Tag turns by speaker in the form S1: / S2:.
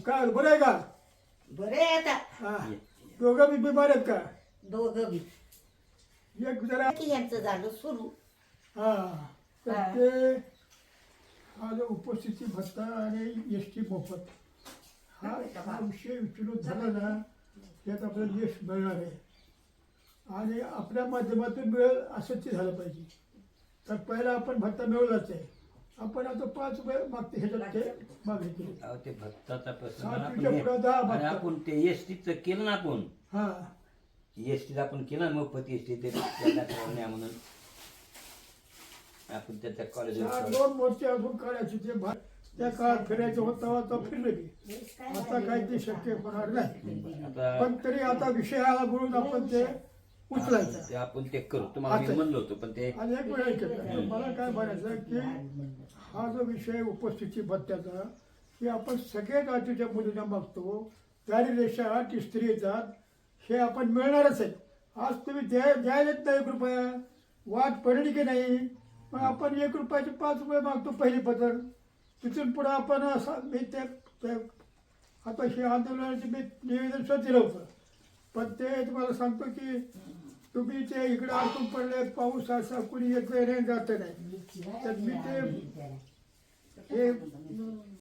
S1: काय बरं आहे का?
S2: बरे आता
S1: हा. दोघं बी बिमार आहेत का?
S2: दोघं बी
S1: एक जरा
S2: की यांचं झालं सुरू
S1: हा तर
S2: हा.
S1: ते हा जो उपस्थिती भत्ता आणि एस टी मोफत हा विषय विचारून झाला ना त्यात आपल्याला यश मिळणार आहे आणि आपल्या माध्यमातून मिळेल असं ते झालं पाहिजे. तर पहिला आपण भत्ता मिळवलाच आहे. आपण आता 5 रुपये मागते ह्याच्यात ते मागणी केली.
S3: अहो ते भत्ताचा प्रश्न
S1: सातवीच्या
S3: आपण
S1: पुढं 10
S3: आणि
S1: भत्ता.
S3: आपण ते एसटीचं केलं ना आपण
S1: हा
S3: एसटीचं आपण केलं ना मोफत एसटी ते न्या म्हणून आपण त्याच्या
S1: चार
S3: कॉलेज
S1: 2 मोर्चे अजून काढायचे ते त्या काळात फिरायचं होतं आता फिरले बी. आता काही ते शक्य होणार नाही.
S3: आता
S1: पण तरी आता विषयाला बोलून आपण ते उचलायचं.
S3: ते आपण ते करू तुम्हाला मी म्हणलो होतो पण ते
S1: आणि एक वेळ ऐकलं मला काय म्हणायचं की हा जो विषय उपस्थिती भत्त्याचा की आपण सगळ्या जातीच्या मुलींना मागतो दारिद्र्यरेषा की स्त्री येतात हे आपण मिळणारच आहे. आज तुम्ही द्यायलाच नाही 1 रुपया वाट पडली की नाही मग आपण 1 रुपयाचे 5 रुपये मागतो पहिली पत्र. तिथून पुढं आपण असं मी ते आता हे आंदोलनाचे मी निवेदन सुद्धा दिलं होतं. पण ते तुम्हाला सांगतो की तुम्ही ते इकडे अडकून पडले पाऊस असा कुणी येत नाही जात नाही तर मी ते हे